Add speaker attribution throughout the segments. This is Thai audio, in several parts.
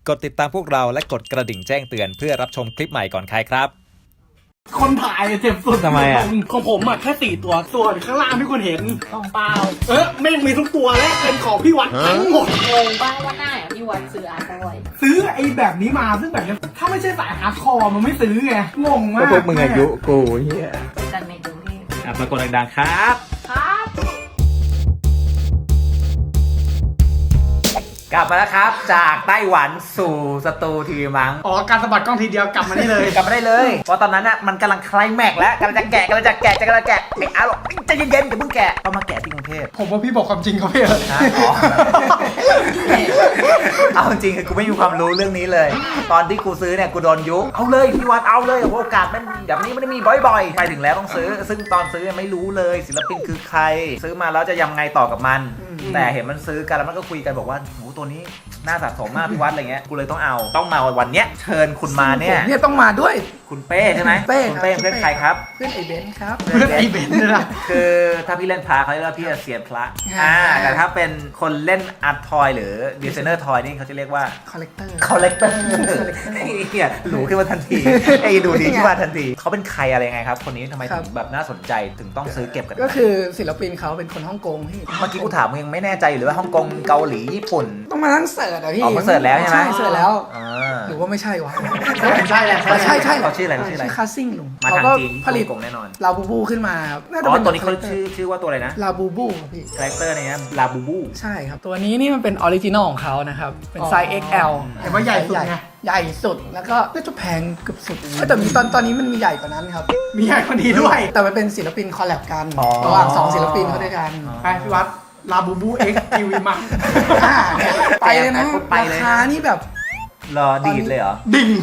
Speaker 1: กดติดตามพวกเราและกดกระดิ่งแจ้งเตือนเพื่อรับชมคลิปใหม่ก่อนใครครับ
Speaker 2: คนถ่ายเจ็บสุด
Speaker 1: ทำไมอ่ะ
Speaker 2: ของผมอ่ะแค่4ตัวส่วนข้างล่างที่คุณเห็นต้องเปล่าไม่มีทุกตัวและเป็นของพี่วัดทั้งหมด
Speaker 3: งงบ้างว่าหน้าอย่างพี่วันซื้ออาร์ตบ่อย
Speaker 2: ซื้อไอ้แบบนี้มาซึ่งแบบนี้ถ้าไม่ใช่สายฮาร์ดคอร์มันไม่ซื้อไงงงมาก
Speaker 1: พวกมึงอายุกูเฮีย
Speaker 3: กันในกรุงเทพ
Speaker 1: ปรากฏดังๆครับ
Speaker 3: ครับ
Speaker 1: กลับมาแล้วครับจากไต้หวันสู่สตูทีวีมั้ง
Speaker 2: อ๋อการสะบัดกล้องทีเดียวกลับมาได้เลย
Speaker 1: กลับมาได้เลยเพราะตอนนั้นน่ะมันกำลังไคลแม็กซ์แล้วกำลังจะแกะไอ้อาร์บอกใจเย็นๆเดี๋ยวมึงแกะเอามาแกะที่กรุงเทพ
Speaker 2: ผมว่าพี่บอกความจริงเขาพี่
Speaker 1: เอาจริงคือกูไม่มีความรู้เรื่องนี้เลย ตอนที่กูซื้อเนี่ยกูโดนยุเอาเลยพี่วัดเอาเลยโอกาสมันแบบนี้ไม่ได้มีบ่อยๆไปถึงแล้วต้องซื้อซึ่งตอนซื้อไม่รู้เลยศิลปินคือใครซื้อมาแล้วจะยังไงต่อกับมันแต่เห็นมันซื้อกันแล้วมันก็คุยกันบอกว่าโหตัวนี้น่าสะสมมากพี่วัดอะไรเงี้ยกูเลยต้องมาวันเนี้ยเชิญคุณมาเนี่ย
Speaker 4: ต้องมาด้วย
Speaker 1: คุณเป้ใช่ไหม
Speaker 4: เป้
Speaker 1: คุณเป้เพื่อนใครครับ
Speaker 4: เพื่อนไอเบนซ์ครับ
Speaker 2: เพื่อนไอ้เบนซ์นี่แหละ
Speaker 1: คือถ้าพี่เล่นพระเขาเรียกว่าพี่เสียนพระแต่ถ้าเป็นคนเล่นอาร์ตทอยหรือดีไซเนอร์ทอยนี่เขาจะเรียกว่า
Speaker 4: คอลเลกเตอร์
Speaker 1: เนี่ยหรูขึ้นมาทันทีไอ้ดูดีขึ้นมาทันทีเขาเป็นใครอะไรยังไงครับคนนี้ทำไมถึงแบบน่าสนใจถึงต้องซื้อเก็บกัน
Speaker 4: ก็คือศิลปินเขาเป็นคนฮ่องกงพี่
Speaker 1: เมื่อกี้กูถามมึงยังไม่แน่ใจอยู่เลยว่าฮ่องกงเกาหลีญี่ปุ่น
Speaker 4: ต้องมานั่งเสิร์ชอ่ะพี่
Speaker 1: ออกมาเสิร์ชแล้วใช่ไหม
Speaker 4: เสิร์ชแล้วหรือว่าไม่ใช่วะ
Speaker 2: ใช่แหละ
Speaker 4: ใช่
Speaker 1: เขาชื่ออะไร
Speaker 4: ชื่อคาซิ่งลุง
Speaker 1: มาทางจีนผลิตกงแน่นอน
Speaker 4: ลาบูบูขึ้นมา
Speaker 1: ตัวนี้เขาชื่อว่าตัวอะไรนะ
Speaker 4: ลาบูบูพี่
Speaker 1: คาแรคเตอร์เนี่ยลาบูบู
Speaker 4: ใช่ครับตัวนี้นี่มันเป็นออริจินอลของเขานะครับเป็นไซส์ XL
Speaker 2: เห็นว่าใหญ่สุดไง
Speaker 4: ใหญ่สุดแล้วก็น่าจะแพงเกือบสุดแต่มีตอนนี้มันมีใหญ่กว่านั้นครับ
Speaker 2: มีใหญ่กว่านี้ด้วย
Speaker 4: แต่มันเป็นศิลปินคอลแลบกันระหว่าง2ศิลปินเขาด้วยกัน
Speaker 2: ไปพี่วัดลาบูบูเอ็กซ์ทีวีมัง
Speaker 4: ไปเลยนะราคานี่แบบ
Speaker 1: รอดีดเลยเหรอ
Speaker 2: ดิ่ง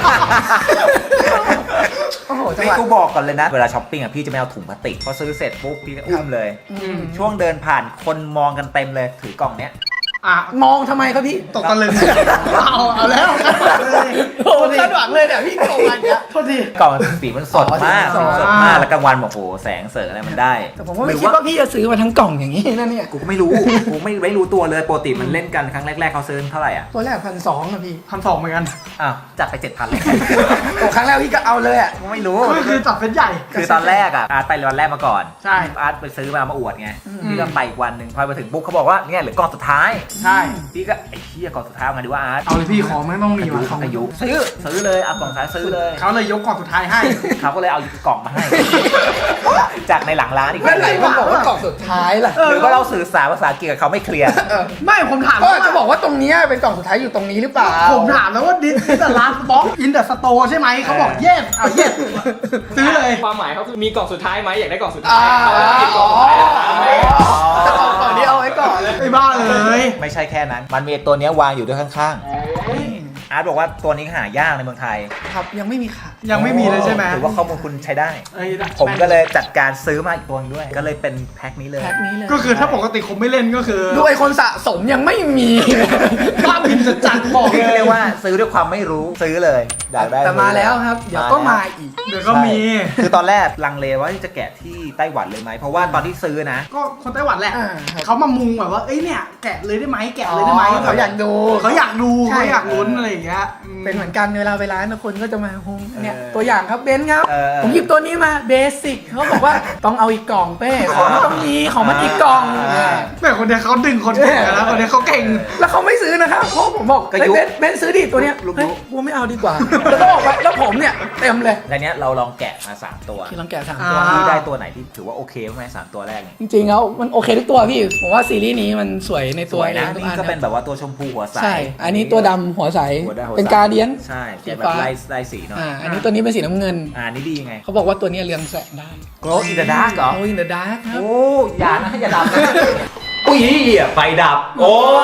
Speaker 4: โอ้โหจังห
Speaker 1: ไม่
Speaker 4: วะ
Speaker 1: กูบอกก่อนเลยนะเวลาช้อปปิ้งอ่ะพี่จะไม่เอาถุงพลาสติกพอซื้อเสร็จปุ๊บพี่ก็อุ้มเลยช่วงเดินผ่านคนมองกันเต็มเลยถือกล่องเนี้ย
Speaker 4: มองทำไมครับพี่
Speaker 2: ตกตะลึงเอาแล้ว
Speaker 4: โอ้คาดหวังเลยเนี่ยพี่โกงอะไรเนี่ย
Speaker 2: โทษที
Speaker 1: กล่องสีมันสดมากแล้วกลางวันบอกโอ้แสงเสริงอะไรมันได้
Speaker 4: แต่ผมไม่คิดว่าพี่จะซื้อมาทั้งกล่องอย่างนี้นะเนี่ย
Speaker 1: กูไม่รู้กูไม่รู้ตัวเลยปกติมันเล่นกันครั้งแรกๆเขาซื้อเท่าไหร่อ่ะ
Speaker 4: ตัวแรก1,200นะพี่
Speaker 2: 1,200เหมือนกัน
Speaker 1: จัดไป 7,000เลย
Speaker 4: โอ้ครั้งแรกพี่ก็เอาเลยอ่ะ
Speaker 1: ไม่รู้
Speaker 2: คือจัดเป็นใหญ่
Speaker 1: คือตอนแรกอ่ะอาร์ตไปวันแรกมาก่อน
Speaker 2: ใช่
Speaker 1: อาร์ตไปซื้อมาอวดไงพี่ก็ไปอีกวันหนึ่งพอไปถึงปุ๊บเขาบอกว่าเนี่ยเหลือกล่องสุดท้าย
Speaker 2: ใช่
Speaker 1: พี่ก็ไอ้เหี้ยกล่องสุดท้ายไงดีว่าอาร์ต
Speaker 2: เอาเลยพี่ของไม่ต้องมี
Speaker 1: มาของอายุซื้อเลยเอากล่องสุดท้ายซื้อเลย
Speaker 2: เขาเลยยกกล่องสุดท้ายให้
Speaker 1: เขาก็เลยเอากล่องมาให้จากในหลังร้านอีก
Speaker 4: แล้วไหนมันบอกว่ากล่องสุดท้ายล่ะ
Speaker 1: หรือว่าเราสื่อสารภาษาอังกฤษกับเขาไม่เคลียร์
Speaker 2: ไม่ผมถาม
Speaker 4: ว่าจะบอกว่าตรงนี้เป็นกล่องสุดท้ายอยู่ตรงนี้หรือเปล่า
Speaker 2: ผมถามแล้วว่าดิสแต่ร้านบ็อกอินเดอะสโตร์ใช่ไหมเขาบอกเยสเอาเยสซื้อเลย
Speaker 5: ความหมายเขาคือมีกล่องสุดท้ายไหมอยากได้กล่องสุดท้ายเอาแล้วกินกล่องสุดท้าย
Speaker 4: จะกล่องนี้เอาไว้ก่อนเลย
Speaker 2: ไอ้บ้าเลย
Speaker 1: ไม่ใช่แค่นั้นมันมีตัวนี้วางอยู่ด้วยข้างๆอาร์ตบอกว่าตัวนี้หายากในเมืองไทย
Speaker 4: ครับยังไม่มีค่ะ
Speaker 2: ยังไม่มีเลยใช่ไหม
Speaker 1: ถือว่าข้อมูลคุณใช้ได้ผมก็เลยจัดการซื้อมาอีกตัวนึงด้วยก็เลยเป็นแพ็คนี้เลย
Speaker 2: ก็คือถ้าปกติผมไม่เล่นก็คือ
Speaker 4: ด้วยคนสะสมยังไม่มี
Speaker 2: บ้าบินจะจัดบอก
Speaker 1: เลยเรียกว่าซื้อด้วยความไม่รู้ซื้อเลยอยากได้
Speaker 4: แต่มาแล้วครับเดี๋ยวก็มาอีก
Speaker 2: เดี๋ยวก็มี
Speaker 1: คือตอนแรกลังเลว่าจะแกะที่ไต้หวันเลยไหมเพราะว่าตอนที่ซื้อนะ
Speaker 2: ก็คนไต้หวันแหละเขามามุงแบบว่าเอ้ยเนี่ยแกะเลยได้ไหมแกะเลยได้ไหม
Speaker 4: เขาอยากดู
Speaker 2: เขาอยากลุ้นอะไรอย่างเงี้ย
Speaker 4: เป็นเหมือนกันเวลาไปร้านคนก็จะมาฮงเนี่ยตัวอย่างครับเบนซ์ครับผมหยิบตัวนี้มาเบสิกเขาบอกว่าต้องเอาอีกกล่องเป้ของมันต้องมีของมันอีกกล่อง
Speaker 2: แต่คนเดียวเขาดึงคนเก่งแล้วคนเดียวเขาเก่ง
Speaker 4: แล้วเขาไม่ซื้อนะครับเพราะผมบอกเบนซ์ซื้อดิตัวเนี้ยเฮ้ยกูไม่เอาดีกว่าแล้วก็บอกว่าแล้วผมเนี่ยเต็มเลย
Speaker 1: ในนี้เราลองแกะมา3ตัว
Speaker 4: ที่ลองแกะ3ตัว
Speaker 1: ที่ได้ตัวไหนที่ถือว่าโอเคไหม3ตัวแรก
Speaker 4: จริงๆแล้วมันโอเคทุกตัวพี่ผมว่าซีรีส์นี้มันสวยในตัว
Speaker 1: นะนี่ก็เป็นแบบว่าตัวชมพูหัวใส
Speaker 4: ใช่อันนี้ตัวดำหัวใสเป็นการเดียน
Speaker 1: ใช่แบบลายสีหน่อย
Speaker 4: อันนี้ตัวนี้เป็นสีน้ำเงิน
Speaker 1: นี่ดีไง
Speaker 4: เขาบอกว่าตัวนี้เรืองแสงได้
Speaker 1: Glow in the dark เหรอ
Speaker 4: Glow in the dark ครับ
Speaker 1: โอ้อย่านะอย่าดับนะอุ้ยไฟดับโอ้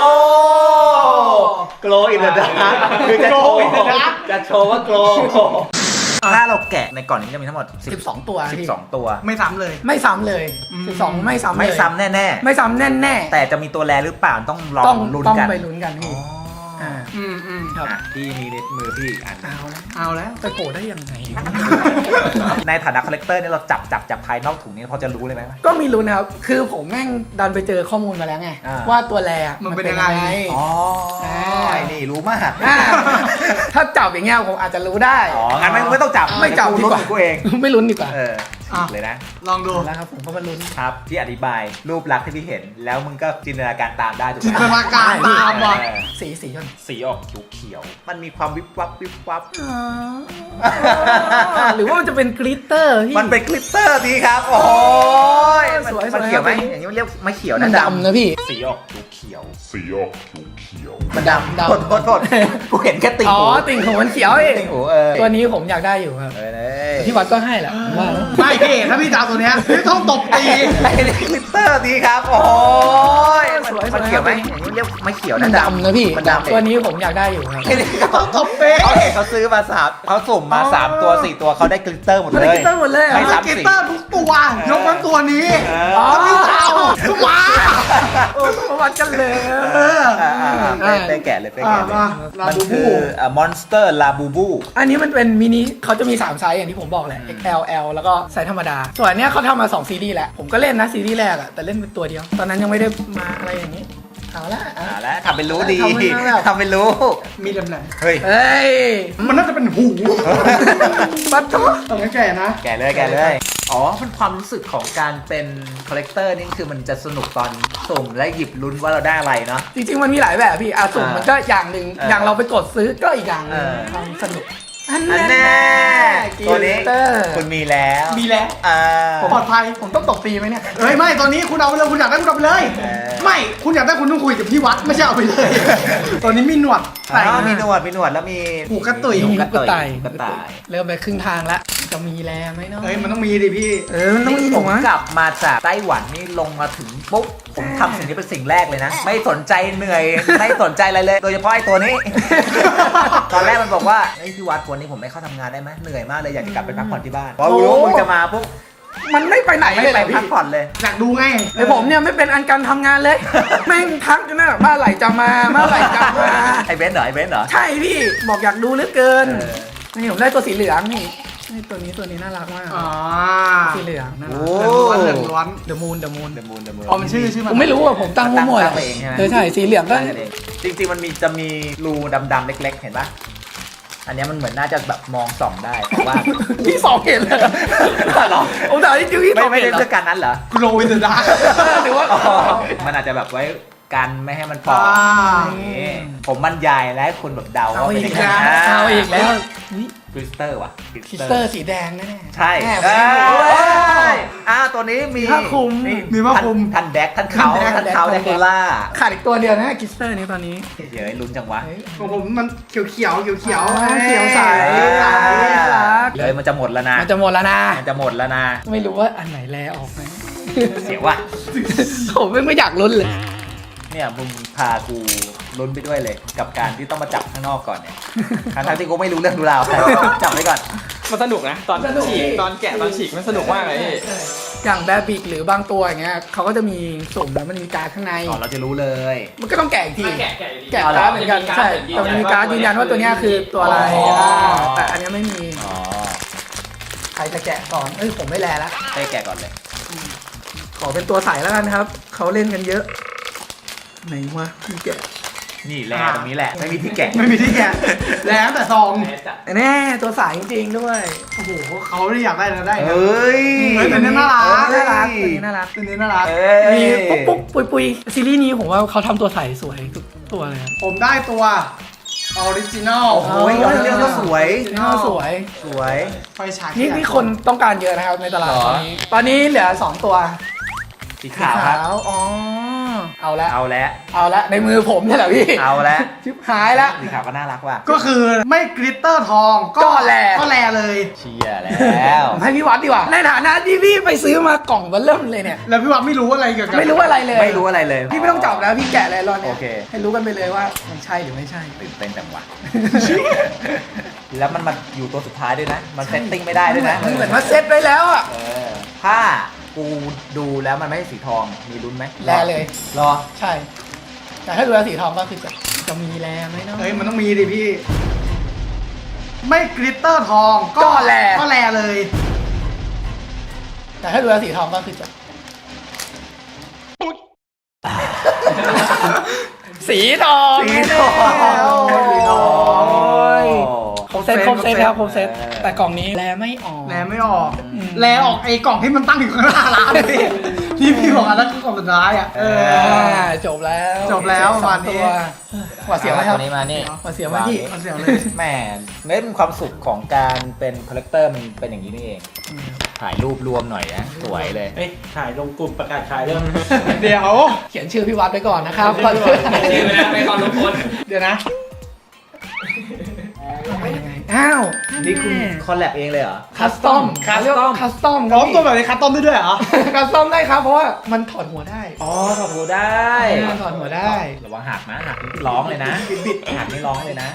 Speaker 1: Glow in the dark คือจะโชว์ว่า Glow ถ้าเราแกะในก่อนนี้จะมีทั้งหมด
Speaker 4: 12ตัว
Speaker 1: 12ตัว
Speaker 2: ไม่ซ้ำเลย
Speaker 4: 12ไม่ซ้ำ
Speaker 1: ไม่ซ้ำแน่
Speaker 4: ไม่ซ้ำแน่
Speaker 1: แต่จะมีตัวแรหรือเปล่าต้องลองลุ้นกัน
Speaker 4: ต้องไปลุ้นกันพี่
Speaker 1: ครับพี่มีในมือพี่อัน
Speaker 4: เอาแล้วไปโผล่ได้ยังไง
Speaker 1: ในฐานะคอลเลกเตอร์นี่เราจับภายนอกถุงนี้พอจะรู้เลยไหม
Speaker 4: ก็มีรู้นะครับคือผมแม่งดันไปเจอข้อมูลมาแล้วไงว่าตัวแร
Speaker 2: มันเป็นยังไง
Speaker 1: อ๋อไอ้นี่รู้มาก
Speaker 4: ถ้าจับอย่างเงี้ยผมอาจจะรู้ได้
Speaker 1: อ๋องั้นไม่ต้องจับ
Speaker 4: ไม่จับดีกว่า
Speaker 1: กูเอง
Speaker 4: ไม่ลุ้นดีกว่า
Speaker 1: เลยนะ
Speaker 2: ลองดู
Speaker 4: แล้วครับผมก็มาลุ้น
Speaker 1: ครับที่อธิบายรูปลักษณ์ที่พี่เห็น แล้วมึงก็จินตนาการตามได้ถูก
Speaker 2: จิน
Speaker 1: ไห
Speaker 2: ต
Speaker 1: ม
Speaker 2: นาการตามว่ะ
Speaker 4: สีจน
Speaker 1: สีออกเขียวๆมันมีความวิบวับวิบวับ
Speaker 4: หรือว่ามันจะเป็นกลิตเตอร์พี่
Speaker 1: มันเป็นกลิตเตอร์ดีครับ โอ้ย
Speaker 4: สวย
Speaker 1: มันเขียวไหม
Speaker 4: สวย
Speaker 1: อย่างนี้มันเรียกไม่เขียว
Speaker 4: มั
Speaker 1: นะ
Speaker 4: นดำนะพี่
Speaker 1: สีออกเขียว
Speaker 4: มันดำ
Speaker 1: โทษกูเห็นแค่ติ่ง
Speaker 4: อ๋อ
Speaker 1: หู
Speaker 4: ติ่งหูมันเขียวเอง
Speaker 1: ติ่งหู
Speaker 4: ตัวนี้ผมอยากได้อยู่ครับ
Speaker 1: เลย
Speaker 4: พี่วัดก็ให้แหละผมว่า
Speaker 2: ไม่พี่ถ้าพี่จะเอาตัวเนี้ยพี่ต้องตบตี
Speaker 1: ไอ้กลิตเตอร์ดีครับ โอ้ย
Speaker 4: สวย
Speaker 1: มันเขียวไหมอย่างนี้มันเรียกไม่เขียว
Speaker 4: มั
Speaker 1: นะ
Speaker 4: นดำนะพี่
Speaker 1: มันดำ
Speaker 4: ตัวนี้ผมอยากได้อยู่ครับ
Speaker 2: ต้องตบตี
Speaker 1: เขาเห็นเขาซื้อมาเขาสุ่มมา3ตัว4ตัวเขาได้กลิตเตอร์หมด
Speaker 4: มัน
Speaker 1: เล
Speaker 4: ได้
Speaker 1: ย
Speaker 4: กลิตเตอร์หมดเลยเหรอ
Speaker 1: ไม่ซ้ำ
Speaker 2: กีตาร์ทุกตัวยกเว้นตัวนี้
Speaker 1: อ๋อ
Speaker 2: พี่เอามา
Speaker 4: โอ้ประวัติกันเลย
Speaker 1: ไปแกะเลยไป
Speaker 2: อ่า
Speaker 1: แกะเลย
Speaker 2: มาลา
Speaker 1: มัน
Speaker 2: บู
Speaker 1: คื
Speaker 2: บู
Speaker 1: อมอนสเตอร์ลาบูบู
Speaker 4: อันนี้มันเป็นมินิเขาจะมี3ไซส์อย่างที่ผมบอกแหละ XL L แล้วก็ไซส์ธรรมดา ส่วนอันเนี้ยเขาทำมา2ซีรีส์แล้วผมก็เล่นนะซีรีส์แรกอะแต่เล่นเป็นตัวเดียว ตอนนั้นยังไม่ได้มาอะไรอย่างนี้เอาละอ่ะ
Speaker 1: แล้วทำเป็นรู้ดี
Speaker 4: ทำเป็นแบบ
Speaker 1: ทำเป็นรู้
Speaker 2: มีแหลม
Speaker 1: เฮ้ย
Speaker 4: เฮ้ย
Speaker 2: ๆมันน่าจะเป็นหู
Speaker 4: ปัดโต
Speaker 2: ต้องแก่นะ
Speaker 1: แกะเลยแกะเลย อ๋อมันความรู้สึกของการเป็นคอลเลกเตอร์นี่คือมันจะสนุกตอนสุ่มและหยิบลุ้นว่าเราได้อะไรเนาะ
Speaker 4: จริงๆมันมีหลายแบบพี่สุ่มมันก็อย่างหนึ่ง อย่างเราไปกดซื้อก็อีกอย่างหนึง
Speaker 1: เออ
Speaker 4: ความสนุกอัน
Speaker 1: อัน
Speaker 4: แน่
Speaker 1: แน่ตัวนี้
Speaker 4: กลิตเตอร์
Speaker 1: คุณมีแล้ว
Speaker 2: มีแล้ว
Speaker 1: อ่า
Speaker 2: ปลอดภัย
Speaker 4: ผมต้องตบตีไหมเนี่ย
Speaker 2: เฮ้ยไม่ตอนนี้คุณเอาไปเลยคุณอยากได้คุณเอาไปเลย
Speaker 1: เออ
Speaker 2: ไม่คุณอยากได้คุณต้องคุยกับพี่วัดไม่ใช่เอาไปเลย ตอนนี้มีหนวด
Speaker 1: อ๋อ
Speaker 2: มา
Speaker 1: มีหนวดแล้วมี
Speaker 2: หูกระตุย
Speaker 1: หูกระต่าย
Speaker 4: กระต่าย เริ่มไปครึ่งทางแล้วจะมีแลไหมเนาะ
Speaker 2: เฮ้ยมันต้องมีดิพี่
Speaker 4: มันต้องมี
Speaker 1: ผ
Speaker 4: ถู
Speaker 1: ม
Speaker 4: กไหม
Speaker 1: กลับมาจากไต้หวันนี่ลงมาถึงปุ๊บผมทำสิ่งนี้เป็นสิ่งแรกเลยนะ ไม่สนใจเหนื่อย ไม่สนใจอะไรเลย โดยเฉพาะไอ้ตัวนี้ ตอนแรกมันบอกว่าไอ้ยพี่วัดวันนี้ผมไม่เข้าทำงานได้ไหมเหนื่อยมากเลยอยากจะกลับไปพักผ่อนที่บ้านพอรู้ว่ามึงจะมาปุ๊บ
Speaker 4: มันไม่ไปไหน
Speaker 1: ไม่
Speaker 4: เลย
Speaker 1: ไป
Speaker 4: เหรอ
Speaker 1: พัก
Speaker 4: พี่
Speaker 1: ผ่อนเลย
Speaker 2: อยากดูไง
Speaker 4: ไอผมเนี่ยไม่เป็นอันการทำงานเลย แม่งทักอยู่นั่นแหละเมื่อไหร่จะมาเมื่อไหร่จะมา
Speaker 1: ไอ้เบนซ์เหรอไอ้เบนซ์เหรอ
Speaker 4: ใช่พี่บอกอยากดูเหลือเกิน
Speaker 1: เออ
Speaker 4: นี่ผมได้ตัวสีเหลืองนี่ตัวนี้น่ารักมาก
Speaker 2: อ๋อ
Speaker 4: สีเหลืองน่ารั
Speaker 1: โอ้
Speaker 4: ก
Speaker 2: เหลืองล้วน
Speaker 4: เดอะมูน
Speaker 1: เดมูน
Speaker 2: อ๋อมันชื่อมัน
Speaker 4: ผมไม่รู้อ่ะผมตั้งมั่วๆ
Speaker 1: ตั้งเองใช่ไหม
Speaker 4: ใช่สีเหลืองก็
Speaker 1: ตั้งกันเองจริงๆมันจะมีรูดำๆเล็กๆเห็นปะอันเนี้ยมันเหมือนน่าจะแบบมองส่องได้แต่ว่า
Speaker 4: พี่สองเห็นเลย
Speaker 1: เหรอ
Speaker 4: ผมถามที่พี่สอง
Speaker 1: ไม่
Speaker 4: เห็น
Speaker 1: ได้
Speaker 4: เหรอ
Speaker 1: เพื่อการนั้นเหรอ
Speaker 2: โกลวินเดอร์ดาร์
Speaker 4: หรือว่า
Speaker 1: อ๋อมันอาจจะแบบไว้กันไม่ให้มันปอก
Speaker 2: อ่า
Speaker 1: นี่ผมบรรยายและให้คุณแบบเดา
Speaker 4: เอา
Speaker 1: ว่า
Speaker 4: อี
Speaker 1: เป็น
Speaker 4: ก
Speaker 1: ยังไง
Speaker 4: แล้วเอาอีกแล้ว
Speaker 1: คริสเตอร์ว่ะ
Speaker 4: คริสเตอร์สีแดงแน่ๆ
Speaker 1: ใช่
Speaker 4: แอบ
Speaker 1: เอ้
Speaker 4: ไม่รู้เลย
Speaker 1: ยตัวนี้มี
Speaker 4: ผ้าคลุม
Speaker 1: นี่
Speaker 2: มีผ้าคลุม
Speaker 1: ทันแดกทันเขา
Speaker 4: ทั
Speaker 1: ทั
Speaker 4: น
Speaker 1: น
Speaker 4: แดก
Speaker 1: เขา
Speaker 4: ทั
Speaker 1: แด
Speaker 4: น
Speaker 1: ก
Speaker 4: แดก
Speaker 1: โคล่า
Speaker 4: ขาดอีกตัวเดียวนะคริสเตอร์นี้ตอนนี้
Speaker 1: เดี๋ยวลุ้นจังวะ
Speaker 2: ของผมมันเขียวเขียวๆเขียว
Speaker 4: อ๋อ
Speaker 2: ๆ
Speaker 4: เขียวใส น่ารัก
Speaker 1: เลยมันจะหมดแล้วนะ
Speaker 4: มันจะหมดแล้วนะ
Speaker 1: มันจะหมดแล้วนะ
Speaker 4: ไม่รู้ว่าอันไหนแลออกไหม
Speaker 1: เสียว่ะ
Speaker 4: ผมไม่อยากลุ้นเลย
Speaker 1: เนี่ยมึงพากูลุ้นไปด้วยเลย กับการที่ต้องมาจับข้างนอกก่อนเนี่ยทั้งที่กูไม่รู้เรื่องรู้ราวจับไว้ก่อน
Speaker 5: มันสนุกนะ ตอน
Speaker 4: สนุก
Speaker 5: ฉีก
Speaker 4: พี่
Speaker 5: ตอนแกะตอนฉีกมันสนุกมากเลยพี่
Speaker 4: อย่างแบบบิกหรือบางตัวอย่างเงี้ยเขาก็จะมีสุ่มแล้วมันมีการ์ดข้างใน
Speaker 1: ก่อนเราจะรู้เลย
Speaker 4: มันก็ต้องแกะอีกที
Speaker 5: แกะอยู่ดี
Speaker 4: แกะการ์ดเหมือนกันใช่แต่มันมีการ์ดยืนยันว่าตัวเนี้ยคือตัวอะไร แต่อันเนี้ยไม่มี
Speaker 1: อ๋อ
Speaker 4: ใครจะแกะก่อนผมไม่แลแล้ว
Speaker 1: ให้แกะก่อนเลย
Speaker 4: ขอเป็นตัวใสแล้วกันครับเขาเล่นกันเยอะไหนวะพี่แกะ
Speaker 1: นี่แหละตรงนี้แหละไม่มีที่แกะ
Speaker 2: ไม่มีที่แกะแล้วแต่ซอง
Speaker 4: แน่ตัวใสจริงๆด้วย
Speaker 2: โอ้โหเขาไม่ได้อยากได้แล้วได้นะ
Speaker 1: เอ้ย
Speaker 2: เฮ้ยแต่เนี่ยน่ารัก
Speaker 4: น่ารักตัวนี้น่ารัก
Speaker 2: ตัวนี้น่ารัก
Speaker 1: เอ้ย
Speaker 4: มีปุ๊บปุ๊บปุยปุยซีรีส์นี้ผมว่าเขาทำตัวใสสวยทุกตัวเลยครับ
Speaker 2: ผมได้ตัวออริจินอล
Speaker 1: โอ้โหเรื่องก็สวย
Speaker 4: น่าสวย
Speaker 1: สวย
Speaker 2: ไฟฉาย
Speaker 4: นี่คนต้องการเยอะนะครับในตลาด
Speaker 1: หรอ
Speaker 4: ตอนนี้เหลือ2ตัว
Speaker 1: สีขาวครับ
Speaker 4: อ๋อเอาละ
Speaker 1: เอาแล้ว
Speaker 4: เอาละในมือผมเนี่ยแหละพี่
Speaker 1: เอาแล้ว
Speaker 4: ชิบหายละ
Speaker 1: สีขาวก็น่ารักว่ะ
Speaker 2: ก็คือไม่กริตเตอร์ทอง
Speaker 4: ก็แล
Speaker 2: ก็แลเลย
Speaker 1: เชียร์แล้ว
Speaker 4: ผมให้พี่วัดดีกว่า ในฐานะที่พี่ไปซื้อมากล่องเบอร์เริ่มเลยเนี่ย
Speaker 2: แล้วพี่วัดไม่รู้อะไรเกี่ยวกับ
Speaker 4: ไม่รู้อะไรเลย
Speaker 1: ไม่รู้อะไรเลย
Speaker 4: พี่ไม่ต้องจับแล้วพี่แกะเลยรอนเนี่ย
Speaker 1: โอเค
Speaker 4: ให้รู้กันไปเลยว่ามันใช่หรือไม่ใช่
Speaker 1: ตื่นเต้นจังวะ แล้วมันมาอยู่ตัวสุดท้ายด้วยนะ มันเซตติ้งไม่ได้ด้วยนะ
Speaker 4: มันเหมือนว่าเซ็ตไว้แล้วอ่ะ
Speaker 1: เออถ้ากูดูแล้วมันไม่ใช่สีทอง มีลุ้นไหม
Speaker 4: แลเลย
Speaker 1: รอ
Speaker 4: ใช่ แต่ถ้าดูแล้วสีทองก็คือจะมีแลไหมเนาะ
Speaker 2: เฮ้ยมันต้องมีดิพี่ ไม่กริตเตอร์ทอง
Speaker 4: ก็แล
Speaker 2: ก็แลเลย
Speaker 4: แต่ถ้าดูแล้วสีทองก็คือจะสีทอง
Speaker 1: สีทอง
Speaker 4: แน่ๆเซตครบเซตครับครบเซตแต่กล่องนี้แลไม่ออก
Speaker 2: แลไม่ออกแลออกไอ้กล่องที่มันตั้งอยู่ข้างหน้าร้านเลยที่พี่บอกอันนั้นคือกล่องสุดท้ายอ่ะ
Speaker 4: จบแล้ว
Speaker 2: จบแล้วประมาณนี้
Speaker 4: หวาดเสียวไหมครับ
Speaker 1: ตัวนี้มานี่
Speaker 4: หวาดเสียวไหมพี่
Speaker 2: มันเสียวเลย
Speaker 1: แหมเน้นความสุขของการเป็นคอลเลกเตอร์มันเป็นอย่างนี้นี่เอง ถ่ายรูปรวมหน่อยนะ สวยเลย
Speaker 5: เฮ้ยถ่ายลงกลุ่มประกาศขายเรื่อง
Speaker 2: เดี๋ยว
Speaker 4: เขียนชื่อพี่วัดไปก่อนนะครับ
Speaker 5: ชื่อไปนะไม่ความลงคน
Speaker 2: เดี๋ยวนะ
Speaker 4: ยังไงอ้าว
Speaker 1: นี่คุณคอลแลบเองเลยเหรอ
Speaker 4: คัสตอมคัสตอม
Speaker 2: พร้อมตัวแบบนี้คัสตอมได้ด้วยเหรอ
Speaker 4: คัสตอมได้ครับเพราะว่ามันถอดหัวได้
Speaker 1: อ๋อถอดหัวได้
Speaker 4: ถอดหัวได้
Speaker 1: ระวังหักนะหักนี่ร้องเลยนะบิดหักนี่ร้องเลยนะ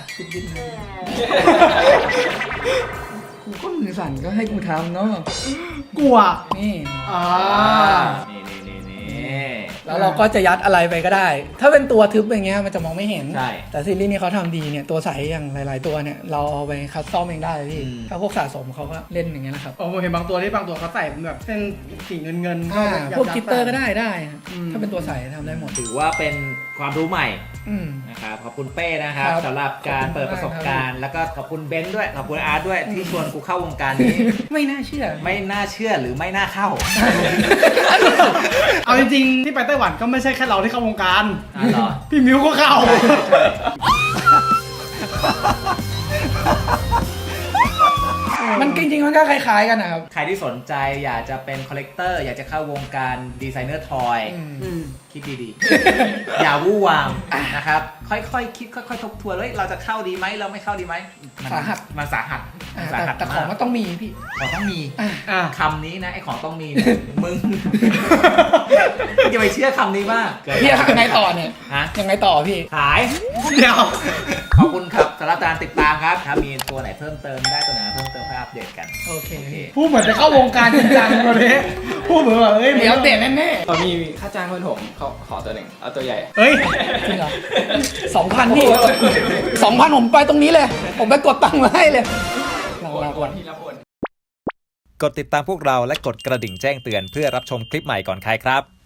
Speaker 4: กูก็มือสั่นก็ให้กูทำเนาะ
Speaker 2: กลัว
Speaker 4: นี่
Speaker 2: อ่า
Speaker 1: นี่
Speaker 4: แล้วเราก็จะยัดอะไรไปก็ได้ ถ้าเป็นตัวทึบอย่างเงี้ยมันจะมองไม่เห็น
Speaker 1: ใช่
Speaker 4: แต่ซีรีส์นี้เขาทำดีเนี่ยตัวใสอย่างหลาย ๆ ตัวเนี่ยเราเอาไปคัสตอมเองได้พี่
Speaker 1: อืม
Speaker 4: ถ้าพวกสะสมเขาก็เล่นอย่างเงี้ยนะครับ
Speaker 2: โอ้ผมเห็นบางตัวที่บางตัวเขาใส่เป็นแบบเส้นสีเงิน
Speaker 4: พวกกิตเตอร์ก็ได้ฮะ
Speaker 2: อืม
Speaker 4: ถ้าเป็นตัวใสทำได้หมด
Speaker 1: ถือว่าเป็นความรู้ใหม่
Speaker 4: อืม
Speaker 1: นะครับขอบคุณเป้นะครับ
Speaker 4: ครับ
Speaker 1: สำหรับการเปิดประสบการณ์ แล้วก็ขอบคุณเบนซ์ด้วยขอบคุณอาร์ตด้วยที่ชวนกูเข้าวงการนี้
Speaker 4: ไม่น่าเชื่อ
Speaker 1: ไม่น่าเชื่อหรือไม่น่าเข้า
Speaker 2: ๆเอาจริงๆที่ไปไต้หวันก็ไม่ใช่แค่เราที่เข้าวงการ
Speaker 1: อ๋อเหรอ
Speaker 2: พี่มิวก็เข้า
Speaker 4: มันจริง ๆ มันก็คล้าย ๆ กันนะครับ
Speaker 1: ใครที่สนใจอยากจะเป็นคอลเลกเตอร์อยากจะเข้าวงการดีไซเนอร์ทอย คิดดีๆ อย่าวู่วามนะครับ ค่อยๆ คิดค่อยๆ ทบทวนเฮ้ยเราจะเข้าดีไหมเราไม่เข้าดีไหมมัน
Speaker 4: สาหัส
Speaker 1: มันสาหัสมันสาหัส
Speaker 4: แต่ของมันต้องมีพี่
Speaker 1: ของต้องมี
Speaker 2: อ่ะ
Speaker 1: คำนี้นะไอ้ของต้องมีเนี่ยมึงอย่าไปเชื่อคำนี้มากเกิน
Speaker 4: พี่ยังไงต่อเนี่ย
Speaker 1: ฮะ
Speaker 4: ยังไงต่อพี่
Speaker 1: ขาย
Speaker 2: เดี๋ยว
Speaker 1: ขอบคุณครับสำหรับการติดตามครับถ้ามีตัวไหนเพิ่มเติมได้ตัวไหนเพิ่มเติมค่อยอัปเดตกัน
Speaker 4: โอเค
Speaker 2: พูดเหมือนจะเข้าวงการจริงจังวันนี้พูดเหมือนแบบเฮ้ย
Speaker 4: เดี๋ยวเตะแน่
Speaker 5: เขามีค่าจ้างเพื่อนผมเขาขอตัวหนึ่งเอาตัวใหญ่
Speaker 2: เฮ้ย
Speaker 4: ๆจริงเหรอ2,000พี่2,000ผมไปตรงนี้เลย ผมไปกดตังค์มาให้เลยเราก่อน
Speaker 5: ที่รับโอน
Speaker 1: กดติดตามพวกเราและกดกระดิ่งแจ้งเตือนเพื่อรับชมคลิปใหม่ก่อนใครครับ